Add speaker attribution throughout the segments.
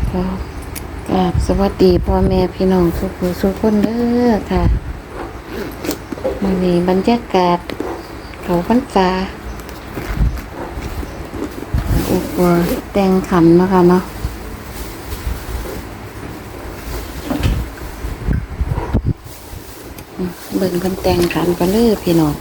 Speaker 1: ก็กราบสวัสดีพ่อแม่พี่น้องทุกผู้ทุกคนเด้อค่ะวันนี้บรรยากาศเขาพรรษาอุปแต่งขันเนาะค่ะเนาะเบิ่งเพิ่นแต่งขันกันเลยพี่น้อง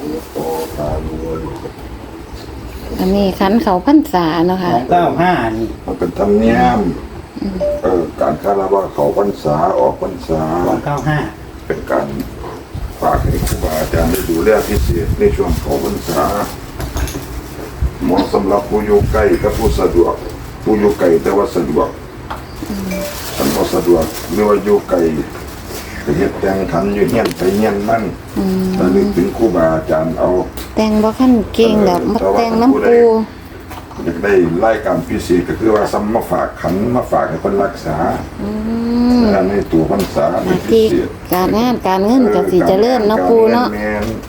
Speaker 1: อันนี้ขันเขาพรรษาเนาะค่ะ
Speaker 2: 295นี่
Speaker 3: มันเป็นธรรมเนียมการคารวะเขาพรรษาออกพรรษา
Speaker 2: 295
Speaker 3: เป็นการฝากให้ครูบาอาจารย์ได้ดูแลพิเศษในช่วงเขาพรรษาเหมาะสำหรับผู้อยู่ใกล้กับผู้สะดวกผู้อยู่ไกลแต่ว่าสะดวกท่านบ่สะดวกหรือว่าอยู่ไกลก็เฮ็ดแต่งขันอยู่เฮียนไปเฮียนนั่นระลึกถึงครูบาอาจารย์เอา
Speaker 1: แต่งบ่คันเก่งดอกมาแต่งน้ำปู
Speaker 3: อยากได้รายการพิเศษก็คือว่าซ้ำมาฝากขันมาฝากให้คนรักษาในตัวพรรษาในพิเศษ
Speaker 1: การงานการเงินก็สิเจริญเนาะปูเนาะ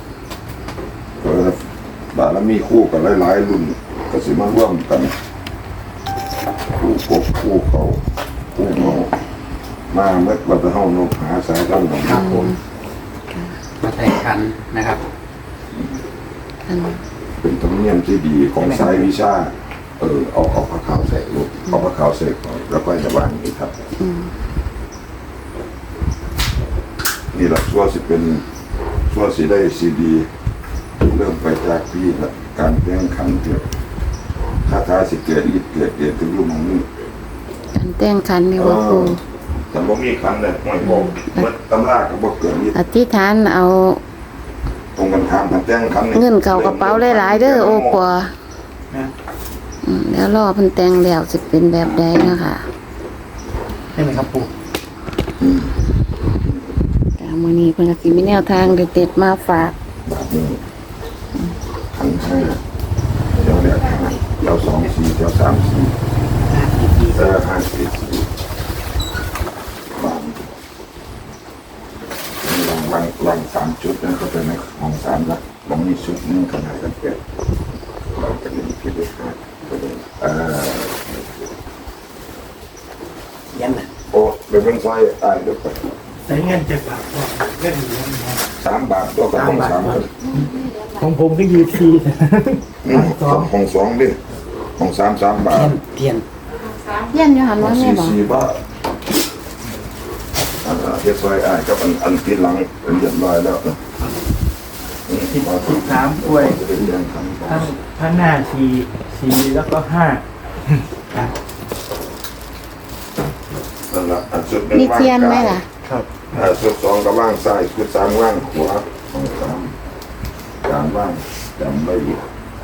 Speaker 3: บารมีคู่กันหลายๆรุ่นก็สิมาร่วมกันคู่กบคู่เขาคู่เงามาเมื่อวันเฮานกหาสายตั้งของ
Speaker 2: ครับผมมาแต่งขันนะครับ
Speaker 3: เป็นธรรมเนียมที่ดีของสายวิชาเอาผ้าขาวใส่ลูกเอาผ้าขาวใส่แล้วก็จะวางนี่ครับนี่แหละชัวสิเป็นชัวสิได้ซีดีเริ่มไปจากพี่ละการแต่งขันเกี่ยวคาถาสิเกิดฤทธิ์เกิดเดชถึงรูปของนี้
Speaker 1: การแต่งขันนี่ว่าปู
Speaker 3: แต่บ่มีขันเลยไม่บอกเมื่อตำราก็บ่เกิดฤทธิ์
Speaker 1: อธิษฐานเอา
Speaker 3: ตรงกันข้ามกันแต่งขัน
Speaker 1: เงินเข้ากระเป๋าหลายๆเด้อโอ้ปัวแล้วรอเพิ่นแต่งแล้วสิเป็นแบบใดนะคะ
Speaker 2: ใช่ไหมครับปู่
Speaker 1: มื้อนี้เพิ่นก็สิมีแนวทางเด็ดๆมาฝาก
Speaker 3: ขันให้เดี๋ยวเนี่ยเดี๋ยว2 4เดี๋ยว3 45 4วาง3 จุดนั่นก็เป็นในของ3ละบางมีชุดนึงขนาดกันเปรียบเราจะมีพิธีการก็เป็น
Speaker 2: ยันน่ะ
Speaker 3: โอ้เป็นซอยตายด้วยกัน
Speaker 2: ใช้เงิน7 บาทก็เงิน
Speaker 3: 3 บาทตัวกับของ3คน
Speaker 2: ของผมก็ยืดที
Speaker 3: ของ2ดิของ3 บาท
Speaker 2: เทียน
Speaker 1: อยู่หันว่าแม่บ่
Speaker 3: 4 บาทเฮ็ดซอยกับอันที่หลังเป็นเรียบร้อยแล้ว
Speaker 2: 13ถ้วยทั้งหน้า4แล้วก็5ครับ
Speaker 3: นั่นล่ะอันสุด
Speaker 1: มีเทียนไหมล่ะ
Speaker 2: ครับ
Speaker 3: สุด2ก็ว่างซ้ายสุด3ว่างขวาของ3การว่างจำไว้อยู่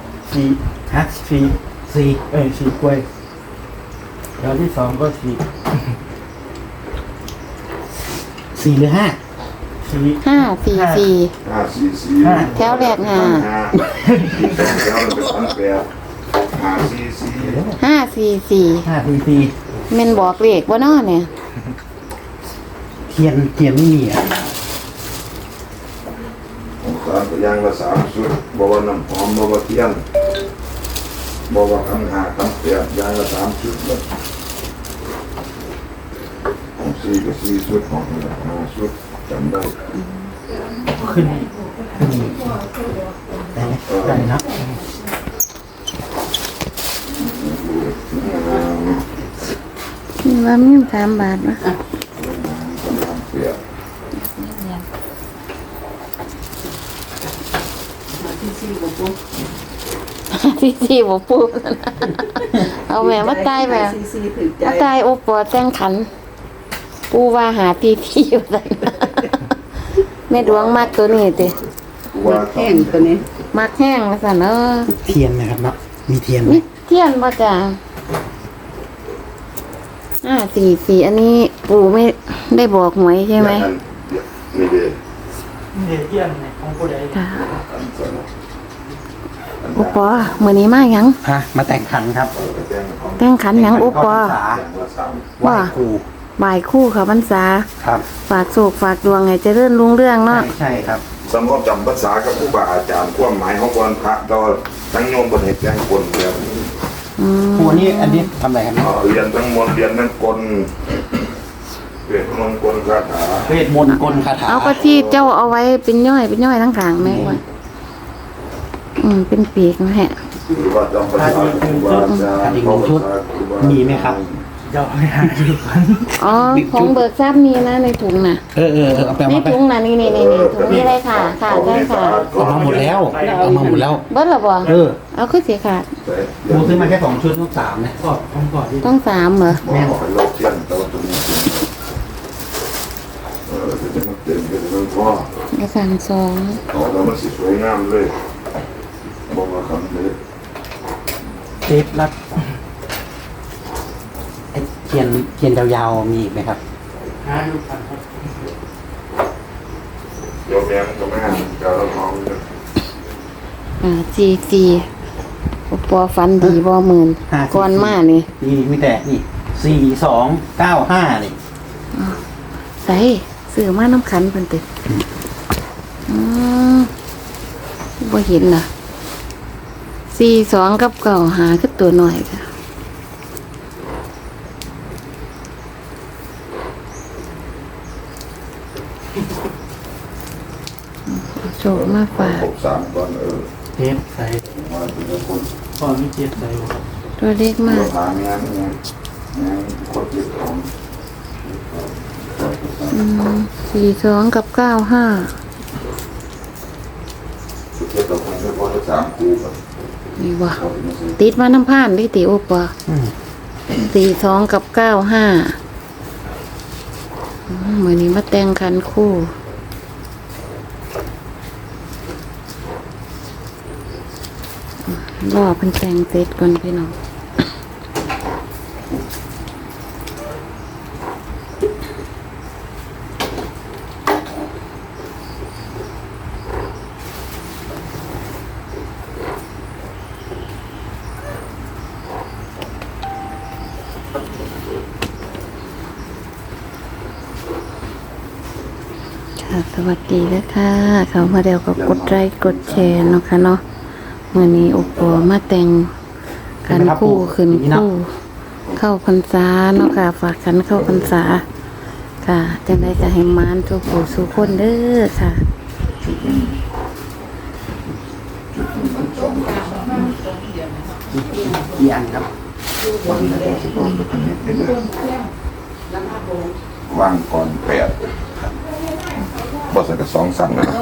Speaker 2: 4กล้วยแล้วที่2ก็4หรือ5
Speaker 1: 5 4 4แถวแรก5 5 4 4แม่นบอกเลขบ่เนาะเนี่ย
Speaker 2: เทียนไม่มีอ่ะ
Speaker 3: การก็ย่างละ3 ชุดบ่ว่าน้ำหอมบ่ว่าเทียนบ่ว่าขัน5ขัน8ย่างละ3 ชุดเลยของ4ก็4 ชุดของ5 ชุดจำได้
Speaker 2: ขึ้นได้นะ
Speaker 1: นี่ว่ามี3 บาทนะที่4บ่ปูเอาแม่มาตายแม่มาตายโอปอแต่งขันปูว่าหาที่อยู่ซั่นแม่ดวงมักตัวนี้ติ
Speaker 3: มักแห้งตัวนี้
Speaker 1: มักแห้งว่าซั่น
Speaker 2: เทียนนะครับเนาะมีเทียน
Speaker 1: มั้ยเทียนบ่จ้ะ4 อันนี้ปู่ไม่ได้บอกหวยใช่ไหม
Speaker 3: ไม่ได้
Speaker 2: เทียนของผู้ใด
Speaker 1: โอปอมื้อนี้มาหยัง
Speaker 2: มาแต่งขันครับ
Speaker 1: แต่งขันหยังโอปอ
Speaker 2: ว่า
Speaker 1: บ่ายคู่ค่ะพรรษา
Speaker 2: ครับ
Speaker 1: ฝากโศกฝากดวงให้เจริญรุ่งเรืองเนาะ
Speaker 2: ใช่ครับ
Speaker 3: สำหรับจำภาษากับครูบาอาจารย์ความหมายของวันพระก็ทั้งโยมบ่ได้แต่งคนแบบนี้
Speaker 4: ครูอันนี้ทำอะไรครับ
Speaker 3: เรียนทั้งมนต์เรียนทั้งกลเวทมนต์กลคาถา
Speaker 4: เวทมนต์กลคาถา
Speaker 1: เอาก็ที่เจ้าเอาไว้เป็นย่อยทั้งขางแม่ว่าเป็นปีกนะฮะ
Speaker 3: หรือว่าจำพรรษาครูบาอาจารย์
Speaker 4: อีกหนึ่งชุดมีไหมครับ
Speaker 2: เจ้าไม่หาดูกัน
Speaker 1: อ๋อของเบิกทรัพย์มีนะในถุงน่ะ
Speaker 4: เอาไป
Speaker 1: ใน
Speaker 4: มาไป
Speaker 1: ถุงน่ะนี่ถุงนี้เลยค่ะได้ค่ะ
Speaker 4: เอามาหมดแล้วเอามาหมดแล้ว
Speaker 1: เบิ้ลหรอบ่ เอาขึ้นสีขาด
Speaker 4: ครูซื้อมาแค่2 ชุดลูก3นะ
Speaker 2: ก็ต้องก่อนที่
Speaker 1: ต้อง3เหรอ
Speaker 3: แม่บอกให้เราเทียนแต่ว่าตรงนี้จะมาเต็มกันมันพ่อ
Speaker 1: เอาสั่ง2
Speaker 3: เอาแล้วมันสิสวยงามเลยบอกว่าคำนี้
Speaker 2: เทปรัด
Speaker 4: ไอ้เทียนยาวๆมีอีกไหมครับ
Speaker 2: หาดูกันครับ
Speaker 3: เดี๋ยวแม่มันก็ไม่หันจะเราท้องเลย
Speaker 1: GC ปอฟันดีบ่หมื่นก่อนมานี่
Speaker 4: นี่มีแต่นี่4295นี่
Speaker 1: ใส่ซื้อมาน้ำขันเพิ่นติบ่เห็นน่ะ42กับ95คือตัวน้อยค่ะโชคมาฝาก
Speaker 3: ครบ3 ก่อน
Speaker 2: เทปใส่
Speaker 3: มาเป็นคน
Speaker 2: ก่อนมีเจ็บใส่บ่ครับ
Speaker 1: ตัวเล็กมาก
Speaker 3: เราหาแม่คนเจ็บของ
Speaker 1: 42กับ95
Speaker 3: สุดท้ายเราคงไม่พอจะ3 คู่กัน
Speaker 1: นี่ว่ะติดมาน้ำผ่านดิติโอปะ42กับ95เหมือนนี้มาแต่งคันคู่รอเพิ่นแต่งเสร็จก่อนพี่น้องค่ะสวัสดีนะคะเขามาเดียวก็กดไลค์กดแชร์เนาะค่ะเนาะมื่อนี้โอปอมาแต่งกันคู่ขึ้นคู่เข้าพรรษาเนาะค่ะฝากกันเข้าพรรษาค่ะจังได้จะให้มานทุกผู้สุขคนเด้อค่ะ
Speaker 4: กี่อันครับ
Speaker 3: ว่างก่อน8บ่ใส่กับ2 สั่นนะ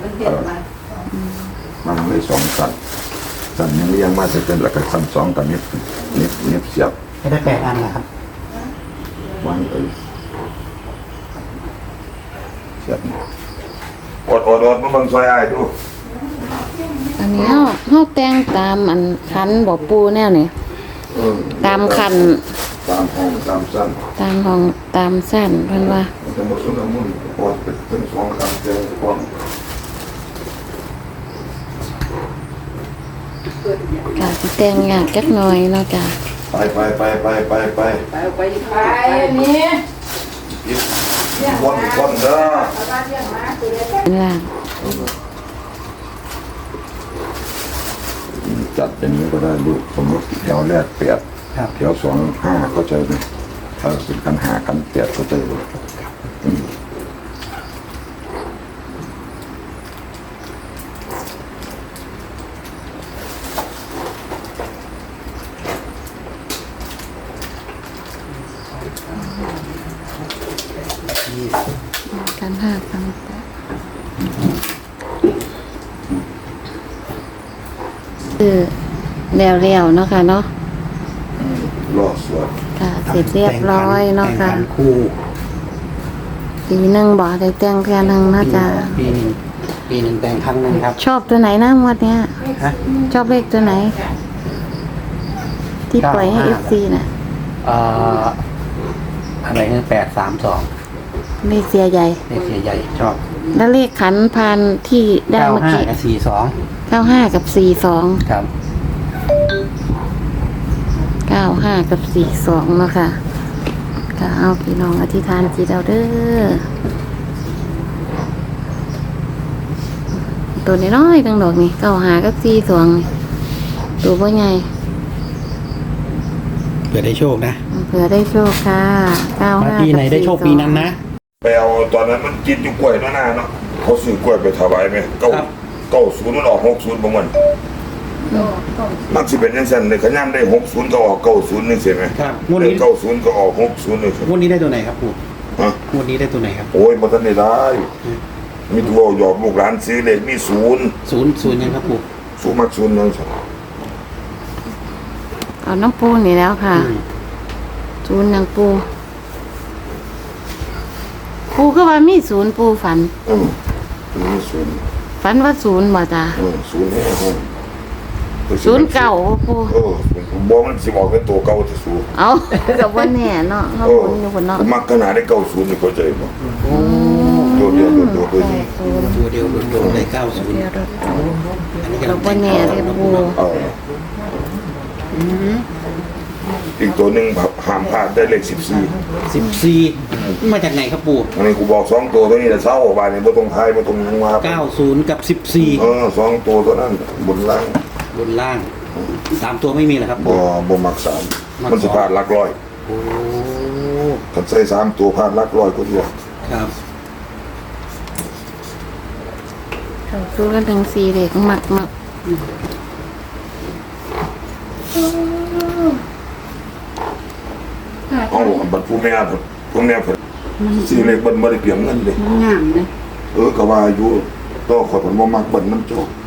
Speaker 3: มันเลย2 สั่นสั่นยังเลี้ยงมาจะเป็นแล้วก็สั่น2กับนิดเสียบ
Speaker 4: ให้ได้8 อันนะครับ
Speaker 3: วางเสียบอดมันบังซอยอ้ายดู
Speaker 1: อันนี้เฮาแต่งตามอันคันบ่ปูแนวนี่ตามคัน
Speaker 3: ตามห้องตามสั้น
Speaker 1: ตามห้องตามสั้นเพิ่นว่า
Speaker 3: จะหมดสุนทรมุนปอดเป็น2 คำเจอก่อน
Speaker 1: ค่ะสิแต่งยากจักหน่อยเนาะจ้ะ
Speaker 3: ไป
Speaker 5: นี่
Speaker 3: คนเด้อ
Speaker 1: เป็นล่าง
Speaker 3: จัดอย่างนี้ก็ได้ลูกสมมติแถวแรก8
Speaker 4: ครับ
Speaker 3: แถว2 5เข้าใจไหมถ้าเป็นกัน5กัน8เข้าใจเลย
Speaker 1: กัน5กัน8คือแล้วๆเนาะค่ะเนาะ
Speaker 3: รอสวด
Speaker 1: ค่ะเสร็จเรียบร้อยเนาะค่ะ
Speaker 4: แต่งขันคู่
Speaker 1: ปีหนึงบ่ได้แต่งแค่นึงเนาะจ้ะ
Speaker 4: ปีหนึ่งแต่งครั้งหนึงครับ
Speaker 1: ชอบตัวไหนนะงวดเนี้ย
Speaker 4: ฮะ
Speaker 1: ชอบเลขตัวไหน ที่ปล่อยให้ FC น่ะ
Speaker 4: อะไรนะ832
Speaker 1: เลขเสียใหญ่
Speaker 4: เลขเสียใหญ่ชอบ
Speaker 1: แล้วเลขขันพานที่ได้เมื่อกี้
Speaker 4: 95กับ
Speaker 1: 95
Speaker 4: 42
Speaker 1: กับ 42
Speaker 4: ครับ
Speaker 1: 95 กับ 42เนาะค่ะก็เอาพี่น้องอธิษฐานจิตเอาเด้อตัวน้อยๆตั้งดอกนี่95 กับ 42นี่ตัวบ่ใหญ่
Speaker 4: ผื่อได้โชคนะ
Speaker 1: เผื่อได้โชคค่ะ95
Speaker 4: มาปีไหนได้โชคปีนั้นนะ
Speaker 3: ไปเอาตอนนั้นมันกินอยู่กล้วยหน้าเนาะเขาซื้อกล้วยไปถวายไหมเก้า
Speaker 4: ครับ
Speaker 3: 90มันออก60ประมาณมันสิเป็นจังซั่นเลยขย้ำได้60ก็ออก90นี่ใช่ไหม
Speaker 4: ครับงวด
Speaker 3: ได้
Speaker 4: นี้
Speaker 3: 90ก็ออก60นี่ใช่ไหม
Speaker 4: งวดนี้ได้ตัวไหนครับปู่
Speaker 3: ฮะ
Speaker 4: งวดนี้ได้ตัวไหนครับ
Speaker 3: โอ้ยบ่ทันได้มีตัวหยอกลูกหลานซื้อเลขมี0
Speaker 4: ศูนย์ยังครับปู่
Speaker 3: สูงมัก0ยังซั่น
Speaker 1: เอาน้ำปูนี่แล้วค่ะ
Speaker 4: อืม
Speaker 1: ศูนย์ยังปูปูก็ว่ามีศูนย์ปูฝัน
Speaker 3: มี0
Speaker 1: ฝันว่าศูนย์บ่จ้า
Speaker 3: 0แน่ห้อง
Speaker 1: ศูนย์เก่าบ่ปู
Speaker 3: บ่มันสิบอกเป็นตัวเก่าที่สู
Speaker 1: เอากับว่าแน่เนาะเขาบุญอยู่บนเนาะ
Speaker 3: ผมมักขนาดได้90นี่เข้าใจบ่
Speaker 4: โอ้
Speaker 3: ตัวเดียวตัวเดียว
Speaker 1: ศูนย์
Speaker 4: ตัวเดียวโดนๆเลย90
Speaker 1: เดียวรถ
Speaker 4: อันนี้
Speaker 1: เรา
Speaker 4: กำลัง
Speaker 1: ว่าแน่เลยปู
Speaker 4: อืม
Speaker 3: อีกตัวหนึ่งห้ามพลาดได้เลข
Speaker 4: 14มาจากไหนครับปู่
Speaker 3: 14อันนี้กูบอก2ตัวนี้แต่เช้าบานนี้บ่ต้องทายบ่ต้องว่า
Speaker 4: 90กับ14
Speaker 3: 2ตัวตัวนั้นบนล่าง
Speaker 4: บนล่าง3ตัวไม่มีเหรอครับ
Speaker 3: บ่มักสามมันสิพลาดหลักร้อย
Speaker 4: โอ้
Speaker 3: คันใส่3ตัวพลาดหลักร้อยก็เดียว
Speaker 4: ครับ
Speaker 1: เขาสู้กันถึง4เด็กมัก
Speaker 3: เอ้าบัดผู้แม่สิเลขเบิ่นบ่ได้เปรียบเงินเลย
Speaker 1: งามเลย
Speaker 3: ก็ว่าอยู่ต่อขอดมันบ่มักเบิ่นมันโจก